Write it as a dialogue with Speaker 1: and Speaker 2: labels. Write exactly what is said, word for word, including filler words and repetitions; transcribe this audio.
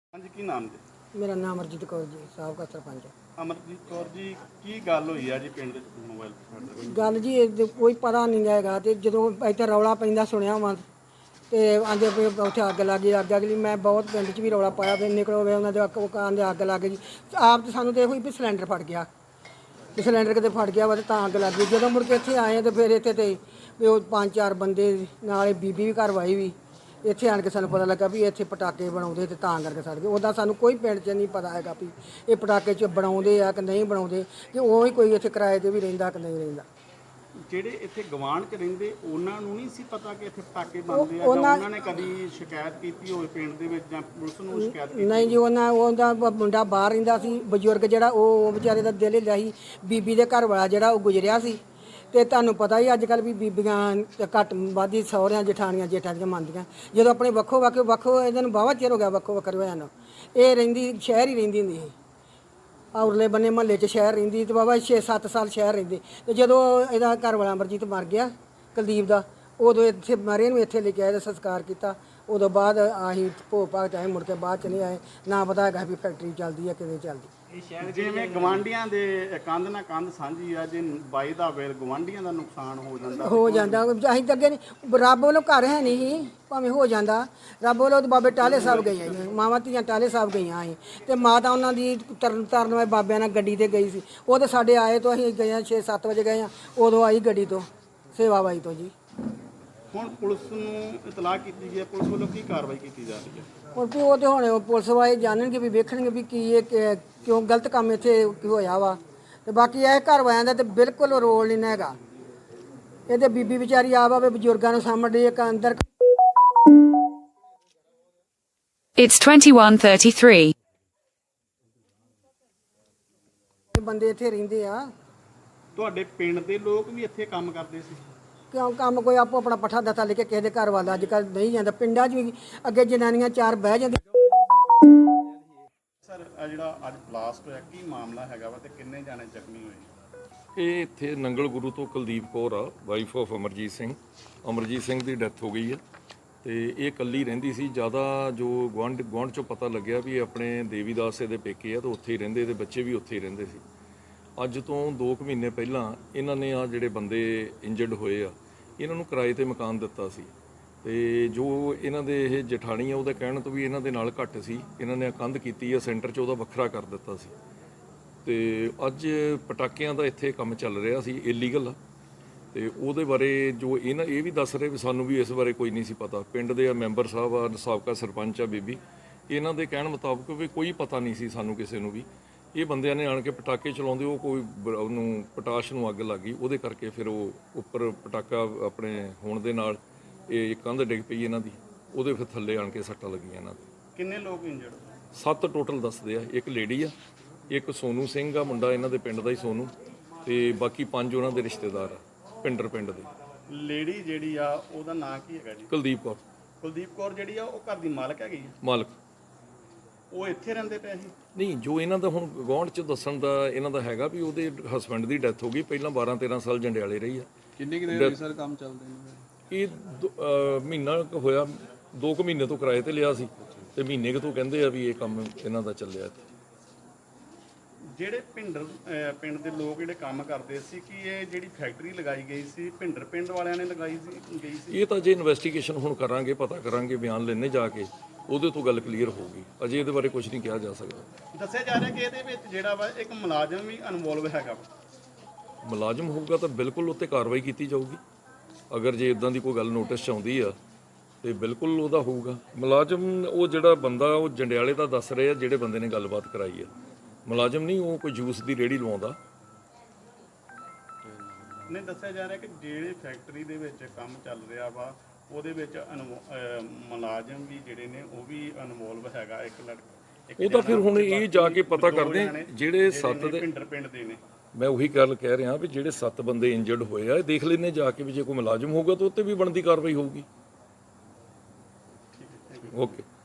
Speaker 1: हाँ जी, की नाम जी?
Speaker 2: मेरा नाम अमरजीत कौर जी, ਸਾਬਕਾ ਸਰਪੰਚ।
Speaker 1: ਅਮਰਜੀਤ ਕੌਰ ਜੀ, ਕੀ ਗੱਲ ਹੋਈ ਆ ਜੀ ਪਿੰਡ ਦੇ ਮੋਬਾਈਲ ਫੋਨ?
Speaker 2: ਗੱਲ ਜੀ ਇਹ ਕੋਈ ਪਤਾ ਨਹੀਂ ਹੈਗਾ ਤੇ ਜਦੋਂ ਇੱਥੇ ਰੌਲਾ ਪੈਂਦਾ ਸੁਣਿਆ ਵਾ ਤੇ ਆਂਦੇ ਵੀ ਉੱਥੇ ਅੱਗ ਲੱਗ ਗਈ ਅੱਗ ਅਗਲੀ ਮੈਂ ਬਹੁਤ ਪਿੰਡ 'ਚ ਵੀ ਰੌਲਾ ਪਾਇਆ ਵੀ ਨਿਕਲੋ ਵੇ ਉਹਨਾਂ ਦੇ ਅੱਗ ਉਹ ਕਹਿੰਦੇ ਅੱਗ ਲੱਗ ਗਈ। ਆਪ ਤਾਂ ਸਾਨੂੰ ਤਾਂ ਇਹੋ ਹੀ ਵੀ ਸਿਲੰਡਰ ਫਟ ਗਿਆ ਤੇ ਸਿਲੰਡਰ ਕਿਤੇ ਫਟ ਗਿਆ ਵਾ ਤੇ ਤਾਂ ਅੱਗ ਲੱਗ ਗਈ। ਜਦੋਂ ਮੁੜ ਕੇ ਇੱਥੇ ਆਏ ਤੇ ਫਿਰ ਇੱਥੇ ਤੇ ਵੀ ਉਹ ਪੰਜ ਚਾਰ ਬੰਦੇ ਨਾਲੇ ਬੀਬੀ ਵੀ ਘਰ ਵਾਈ ਵੀ ਇੱਥੇ ਆਣ ਕੇ ਸਾਨੂੰ ਪਤਾ ਲੱਗਾ ਵੀ ਇੱਥੇ ਪਟਾਕੇ ਬਣਾਉਂਦੇ ਤੇ ਤਾਂ ਕਰਕੇ ਸੜ ਗਏ। ਉੱਦਾਂ ਸਾਨੂੰ ਕੋਈ ਪਿੰਡ 'ਚ ਨਹੀਂ ਪਤਾ ਹੈਗਾ ਵੀ ਇਹ ਪਟਾਕੇ 'ਚ ਬਣਾਉਂਦੇ ਆ ਕਿ ਨਹੀਂ ਬਣਾਉਂਦੇ ਕਿ ਉਹ ਹੀ ਕੋਈ ਇੱਥੇ ਕਿਰਾਏ 'ਤੇ ਵੀ ਰਹਿੰਦਾ ਕਿ ਨਹੀਂ ਰਹਿੰਦਾ।
Speaker 1: ਜਿਹੜੇ ਇੱਥੇ ਗਵਾਂਢ ਚ ਰਹਿੰਦੇ ਉਹਨਾਂ ਨੂੰ ਨਹੀਂ ਸੀ ਪਤਾ ਕਿ ਇੱਥੇ ਪਟਾਕੇ ਬਣਦੇ ਆ, ਜਾਂ ਉਹਨਾਂ ਨੇ ਕਦੀ ਸ਼ਿਕਾਇਤ ਕੀਤੀ ਹੋਵੇ ਪਿੰਡ ਦੇ ਵਿੱਚ ਜਾਂ ਪੁਲਿਸ ਨੂੰ ਸ਼ਿਕਾਇਤ ਕੀਤੀ?
Speaker 2: ਨਹੀਂ ਜੀ, ਉਹਨਾਂ ਉਹਦਾ ਮੁੰਡਾ ਬਾਹਰ ਰਹਿੰਦਾ ਸੀ ਬਜ਼ੁਰਗ ਜਿਹੜਾ ਉਹ ਵਿਚਾਰੇ ਦਾ ਦਿਲ ਹਿੱਲਿਆ ਸੀ। ਬੀਬੀ ਦੇ ਘਰ ਵਾਲਾ ਜਿਹੜਾ ਉਹ ਗੁਜ਼ਰਿਆ ਸੀ ਤੇ ਤੁਹਾਨੂੰ ਪਤਾ ਹੀ ਅੱਜ ਕੱਲ੍ਹ ਵੀ ਬੀਬੀਆਂ ਘੱਟ ਵੱਧ ਹੀ ਸਹੁਰਿਆਂ ਜਠਾਣੀਆਂ ਜੇਠਾਂ ਦੀਆਂ ਮੰਨਦੀਆਂ। ਜਦੋਂ ਆਪਣੇ ਵੱਖੋ ਵੱਖ ਵੱਖੋ ਇਹਨਾਂ ਨੂੰ ਵਾਹਵਾ ਚਿਰ ਹੋ ਗਿਆ ਵੱਖੋ ਵੱਖਰੇ ਹੋਇਆ ਨੂੰ। ਇਹ ਰਹਿੰਦੀ ਸ਼ਹਿਰ ਹੀ ਰਹਿੰਦੀ ਹੁੰਦੀ ਸੀ, ਔਰਲੇ ਬੰਨੇ ਮਹੱਲੇ 'ਚ ਸ਼ਹਿਰ ਰਹਿੰਦੀ ਤੇ ਬਾਬਾ ਛੇ ਸੱਤ ਸਾਲ ਸ਼ਹਿਰ ਰਹਿੰਦੇ। ਤੇ ਜਦੋਂ ਇਹਦਾ ਘਰ ਵਾਲਾ ਅਮਰਜੀਤ ਮਰ ਗਿਆ ਕੁਲਦੀਪ ਦਾ, ਉਦੋਂ ਇੱਥੇ ਮਰੇ ਨੂੰ ਇੱਥੇ ਲੈ ਕੇ ਆਏ ਤੇ ਸੰਸਕਾਰ ਕੀਤਾ। ਉਦੋਂ ਬਾਅਦ ਅਸੀਂ ਭੋਗ ਭਾਗ 'ਚ ਆਏ, ਮੁੜ ਕੇ ਬਾਅਦ 'ਚ ਨਹੀਂ ਆਏ। ਨਾ ਪਤਾ ਹੈਗਾ ਵੀ ਫੈਕਟਰੀ ਚੱਲਦੀ ਹੈ ਕਿਵੇਂ ਚੱਲਦੀ।
Speaker 1: ਜਿਵੇਂ ਗਵਾਂਢੀਆਂ ਦੇ ਕੰਧ ਨਾਲ ਕੰਧ ਸਾਂਝੀ ਆ, ਜੇ ਬਾਈ ਦਾ ਵੇਲ ਗਵਾਂਢੀਆਂ ਦਾ ਨੁਕਸਾਨ ਹੋ ਜਾਂਦਾ
Speaker 2: ਹੋ ਜਾਂਦਾ। ਅਸੀਂ ਤਾਂ ਅੱਗੇ ਨਹੀਂ, ਰੱਬ ਵੱਲੋਂ ਘਰ ਹੈ ਨਹੀਂ ਸੀ ਭਾਵੇਂ ਹੋ ਜਾਂਦਾ। ਰੱਬ ਵੱਲੋਂ ਤਾਂ ਬਾਬੇ ਟਾਲੇ ਸਾਹਿਬ ਗਈਆਂ ਸੀ, ਮਾਵਾਂ ਧੀਆਂ ਟਾਲੇ ਸਾਹਿਬ ਗਈਆਂ ਸੀ ਤੇ ਮਾਤਾ ਉਹਨਾਂ ਦੀ ਤਰਨ ਤਾਰਨ ਵਾਲੇ ਬਾਬਿਆਂ ਨਾਲ ਗੱਡੀ ਤੇ ਗਈ ਸੀ। ਉਹ ਤਾਂ ਸਾਡੇ ਆਏ ਤੋਂ ਅਸੀਂ ਗਏ ਹਾਂ ਛੇ ਸੱਤ ਵਜੇ ਗਏ ਹਾਂ, ਉਦੋਂ ਆਈ ਗੱਡੀ ਤੋਂ ਸੇਵਾ ਬਾਈ ਤੋਂ ਜੀ।
Speaker 1: ਹੁਣ ਪੁਲਿਸ ਨੂੰ ਇਤਲਾਹ ਕੀਤੀ ਗਈ ਹੈ, ਪੁਲਿਸ ਵੱਲੋਂ ਕੀ ਕਾਰਵਾਈ ਕੀਤੀ ਜਾ ਰਹੀ ਹੈ?
Speaker 2: ਹੁਣ ਵੀ ਉਹ ਤੇ ਹੁਣ ਪੁਲਿਸ ਵਾਲੇ ਜਾਣਨਗੇ ਵੀ ਵੇਖਣਗੇ ਵੀ ਕੀ ਇਹ ਕਿ- ਕਿਉਂ ਗਲਤ ਕੰਮ ਇੱਥੇ ਹੋਇਆ ਵਾ। ਤੇ ਬਾਕੀ ਇਹ ਘਰ ਵਾਲਿਆਂ ਦਾ ਤੇ ਬਿਲਕੁਲ ਰੋਲ ਨਹੀਂ ਨਾ ਹੈਗਾ। ਇਹਦੇ ਬੀਬੀ ਵਿਚਾਰੀ ਆਪ ਆਵੇ ਬਜ਼ੁਰਗਾਂ ਨੂੰ ਸਾਂਭਣ ਇੱਕ ਅੰਦਰ।
Speaker 3: It's twenty-one thirty-three.
Speaker 2: ਬੰਦੇ ਇੱਥੇ ਰਹਿੰਦੇ ਆ।
Speaker 1: ਤੁਹਾਡੇ ਪਿੰਡ ਦੇ ਲੋਕ ਵੀ ਇੱਥੇ ਕੰਮ ਕਰਦੇ ਸੀ?
Speaker 2: ਕਿਉਂ ਕੰਮ ਕੋਈ ਆਪੋ ਆਪਣਾ ਪੱਠਾ ਦੱਥਾ ਲੈ ਕੇ ਕਿਸੇ ਦੇ ਘਰ ਵਾਲਾ ਅੱਜ ਕੱਲ੍ਹ ਨਹੀਂ ਜਾਂਦਾ। ਪਿੰਡਾਂ 'ਚ ਵੀ ਅੱਗੇ ਜਨਾਨੀਆਂ ਚਾਰ ਬਹਿ ਜਾਂਦੀਆਂ।
Speaker 1: ਸਰ, ਆ ਜਿਹੜਾ ਅੱਜ ਬਲਾਸਟ ਹੋਇਆ ਕੀ ਮਾਮਲਾ ਹੈਗਾ ਵਾ ਤੇ ਕਿੰਨੇ ਜਾਣੇ ਜ਼ਖਮੀ ਹੋਏ?
Speaker 4: ਇਹ ਇੱਥੇ ਨੰਗਲ ਗੁਰੂ ਤੋਂ ਕੁਲਦੀਪ ਕੌਰ ਆ, ਵਾਈਫ ਆਫ ਅਮਰਜੀਤ ਸਿੰਘ। ਅਮਰਜੀਤ ਸਿੰਘ ਦੀ ਡੈਥ ਹੋ ਗਈ ਹੈ ਤੇ ਇਹ ਇਕੱਲੀ ਰਹਿੰਦੀ ਸੀ। ਜ਼ਿਆਦਾ ਜੋ ਗੁਆਂਢ ਗੁਆਂਢ ਚੋਂ ਪਤਾ ਲੱਗਿਆ ਵੀ ਆਪਣੇ ਦੇਵੀਦਾਸ ਦੇ ਪੇਕੇ ਆ ਤੇ ਉੱਥੇ ਹੀ ਰਹਿੰਦੇ ਤੇ ਬੱਚੇ ਵੀ ਉੱਥੇ ਹੀ ਰਹਿੰਦੇ ਸੀ। ਅੱਜ ਤੋਂ ਦੋ ਕੁ ਮਹੀਨੇ ਪਹਿਲਾਂ ਇਹਨਾਂ ਨੇ ਆ ਜਿਹੜੇ ਬੰਦੇ ਇੰਜਰਡ ਹੋਏ ਆ ਇਹਨਾਂ ਨੂੰ ਕਿਰਾਏ ਤੇ ਮਕਾਨ ਦਿੱਤਾ ਸੀ ਤੇ ਜੋ ਇਹਨਾਂ ਦੇ ਇਹ ਜਠਾਣੀ ਆ ਉਹਦੇ ਕਹਿਣ ਤੋਂ ਵੀ ਇਹਨਾਂ ਦੇ ਨਾਲ ਘੱਟ ਸੀ, ਇਹਨਾਂ ਨੇ ਕੰਧ ਕੀਤੀ ਆ ਸੈਂਟਰ 'ਚ ਉਹਦਾ ਵੱਖਰਾ ਕਰ ਦਿੱਤਾ ਸੀ। ਤੇ ਅੱਜ ਪਟਾਕਿਆਂ ਦਾ ਇੱਥੇ ਕੰਮ ਚੱਲ ਰਿਹਾ ਸੀ ਇਲੀਗਲ, ਤੇ ਉਹਦੇ ਬਾਰੇ ਜੋ ਇਹਨਾਂ ਇਹ ਵੀ ਦੱਸ ਰਹੇ ਵੀ ਸਾਨੂੰ ਵੀ ਇਸ ਬਾਰੇ ਕੋਈ ਨਹੀਂ ਸੀ ਪਤਾ। ਪਿੰਡ ਦੇ ਆ ਮੈਂਬਰ ਸਾਹਿਬ ਆ, ਸਾਬਕਾ ਸਰਪੰਚ ਆ ਬੀਬੀ, ਇਹਨਾਂ ਦੇ ਕਹਿਣ ਮੁਤਾਬਕ ਵੀ ਕੋਈ ਪਤਾ ਨਹੀਂ ਸੀ ਸਾਨੂੰ ਕਿਸੇ ਨੂੰ ਵੀ। ਇਹ ਬੰਦਿਆਂ ਨੇ ਆਣ ਕੇ ਪਟਾਕੇ ਚਲਾਉਂਦੇ, ਉਹ ਕੋਈ ਉਹਨੂੰ ਪਟਾਸ਼ ਨੂੰ ਅੱਗ ਲੱਗ ਗਈ, ਉਹਦੇ ਕਰਕੇ ਫਿਰ ਉਹ ਉੱਪਰ ਪਟਾਕਾ ਆਪਣੇ ਹੋਣ ਦੇ ਨਾਲ ਇਹ ਕੰਧ ਡਿੱਗ ਪਈ ਇਹਨਾਂ ਦੀ, ਉਹਦੇ ਫਿਰ ਥੱਲੇ ਆਣ ਕੇ ਸੱਟਾਂ ਲੱਗੀਆਂ ਇਹਨਾਂ ਦੇ।
Speaker 1: ਕਿੰਨੇ ਲੋਕ ਇੰਜਰਡ?
Speaker 4: ਸੱਤ ਟੋਟਲ ਦੱਸਦੇ ਆ। ਇੱਕ ਲੇਡੀ ਆ, ਇੱਕ ਸੋਨੂ ਸਿੰਘ ਆ ਮੁੰਡਾ ਇਹਨਾਂ ਦੇ ਪਿੰਡ ਦਾ ਹੀ ਸੋਨੂ, ਤੇ ਬਾਕੀ ਪੰਜ ਉਹਨਾਂ ਦੇ ਰਿਸ਼ਤੇਦਾਰ ਆ ਪਿੰਡਰ ਪਿੰਡ ਦੇ।
Speaker 1: ਲੇਡੀ ਜਿਹੜੀ ਆ ਉਹਦਾ ਨਾਂ ਕੀ ਹੈਗਾ ਜੀ?
Speaker 4: ਕੁਲਦੀਪ ਕੌਰ।
Speaker 1: ਕੁਲਦੀਪ ਕੌਰ ਜਿਹੜੀ ਆ ਉਹ ਘਰ ਦੀ ਮਾਲਕ ਹੈਗੀ ਆ?
Speaker 4: ਮਾਲਕ।
Speaker 1: ਉਹ ਇੱਥੇ ਰਹਿੰਦੇ ਪਏ ਸੀ?
Speaker 4: ਨਹੀਂ, ਜੋ ਇਹਨਾਂ ਦਾ ਹੁਣ ਗੁਆਂਢ 'ਚ ਦੱਸਣ ਦਾ ਇਹਨਾਂ ਦਾ ਹੈਗਾ ਵੀ ਉਹਦੇ ਹਸਬੈਂਡ ਦੀ ਡੈਥ ਹੋ ਗਈ, ਪਹਿਲਾਂ ਬਾਰਾਂ ਤੇਰਾਂ ਸਾਲ ਜੰਡਿਆਲੇ ਰਹੀ ਆ।
Speaker 1: ਕਿੰਨੇ ਕਿ ਦੇਰ ਹੋਈ ਸਰ ਕੰਮ ਚੱਲਦੇ ਨੇ?
Speaker 4: ਇਹ ਦੋ- ਅਹ ਮਹੀਨਾ ਕੁ ਹੋਇਆ, ਦੋ ਕੁ ਮਹੀਨੇ ਤੋਂ ਕਿਰਾਏ ਤੇ ਲਿਆ ਸੀ ਤੇ ਮਹੀਨੇ ਕੁ ਤੋਂ ਕਹਿੰਦੇ ਆ ਵੀ ਇਹ ਕੰਮ ਇਹਨਾਂ ਦਾ ਚੱਲਿਆ ਇੱਥੇ।
Speaker 1: ਜਿਹੜੇ ਭਿੰਡਰ ਅਹ ਪਿੰਡ ਦੇ ਲੋਕ ਜਿਹੜੇ ਕੰਮ ਕਰਦੇ ਸੀ ਕਿ ਇਹ ਜਿਹੜੀ ਫੈਕਟਰੀ ਲਗਾਈ ਗਈ ਸੀ ਭਿੰਡਰ ਪਿੰਡ ਵਾਲਿਆਂ ਨੇ ਲਗਾਈ ਸੀ ਗਈ ਸੀ?
Speaker 4: ਇਹ ਤਾਂ ਜੇ ਇਨਵੈਸਟੀਗੇਸ਼ਨ ਹੁਣ ਕਰਾਂਗੇ, ਪਤਾ ਕਰਾਂਗੇ, ਬਿਆਨ ਲੈਣੇ ਜਾ ਕੇ, ਉਹਦੇ ਤੋਂ ਗੱਲ ਕਲੀਅਰ ਹੋਊਗੀ। ਅਜੇ ਇਹਦੇ ਬਾਰੇ ਕੁਝ ਨਹੀਂ ਕਿਹਾ ਜਾ ਸਕਦਾ।
Speaker 1: ਦੱਸਿਆ ਜਾ ਰਿਹਾ ਕਿ ਇਹਦੇ ਵਿੱਚ ਜਿਹੜਾ ਵਾ ਇੱਕ ਮੁਲਾਜ਼ਮ ਵੀ ਇਨਵੋਲਵ ਹੈਗਾ ਵਾ।
Speaker 4: ਮੁਲਾਜ਼ਮ ਹੋਊਗਾ ਤਾਂ ਬਿਲਕੁਲ ਉੱਤੇ ਕਾਰਵਾਈ ਕੀਤੀ ਜਾਊਗੀ। ਅਗਰ ਜੇ ਇਦਾਂ ਦੀ ਕੋਈ ਗੱਲ ਨੋਟਿਸ 'ਚ ਆਉਂਦੀ ਆ ਤੇ ਬਿਲਕੁਲ ਉਹਦਾ ਹੋਊਗਾ ਮੁਲਾਜ਼ਮ। ਉਹ ਜਿਹੜਾ ਬੰਦਾ ਉਹ ਜੰਡਿਆਲੇ ਦਾ ਦੱਸ ਰਹੇ ਆ, ਜਿਹੜੇ ਬੰਦੇ ਨੇ ਗੱਲਬਾਤ ਕਰਾਈ ਆ, ਮੁਲਾਜ਼ਮ ਨਹੀਂ, ਉਹ ਕੋਈ ਜੂਸ ਦੀ ਰੇਹੜੀ ਲਵਾਉਂਦਾ।
Speaker 1: ਨਹੀਂ, ਦੱਸਿਆ ਜਾ ਰਿਹਾ ਕਿ ਜਿਹੜੇ ਫੈਕਟਰੀ ਦੇ ਵਿੱਚ ਕੰਮ ਚੱਲ ਰਿਹਾ ਵਾ ਉਹਦੇ ਵਿੱਚ ਮੁਲਾਜ਼ਮ ਵੀ ਜਿਹੜੇ ਨੇ ਉਹ ਵੀ ਇਨਵੋਲਵ ਹੈਗਾ। ਇੱਕ ਲੜਕਾ
Speaker 4: ਉਹ ਤਾਂ ਫਿਰ ਹੁਣ ਇਹ ਜਾ ਕੇ ਪਤਾ ਕਰਦੇ ਜਿਹੜੇ ਸੱਤ ਦੇ
Speaker 1: ਭਿੰਡਰ ਪਿੰਡ ਦੇ ਨੇ।
Speaker 4: ਮੈਂ ਉਹੀ ਗੱਲ ਕਹਿ ਰਿਹਾ ਵੀ ਜਿਹੜੇ ਸੱਤ ਬੰਦੇ ਇੰਜਰਡ ਹੋਏ ਆ, ਇਹ ਦੇਖ ਲੈਣੇ ਜਾ ਕੇ ਵੀ ਜੇ ਕੋਈ ਮੁਲਾਜ਼ਮ ਹੋਊਗਾ ਤਾਂ ਉੱਤੇ ਵੀ ਬਣਦੀ ਕਾਰਵਾਈ ਹੋਊਗੀ। ਓਕੇ।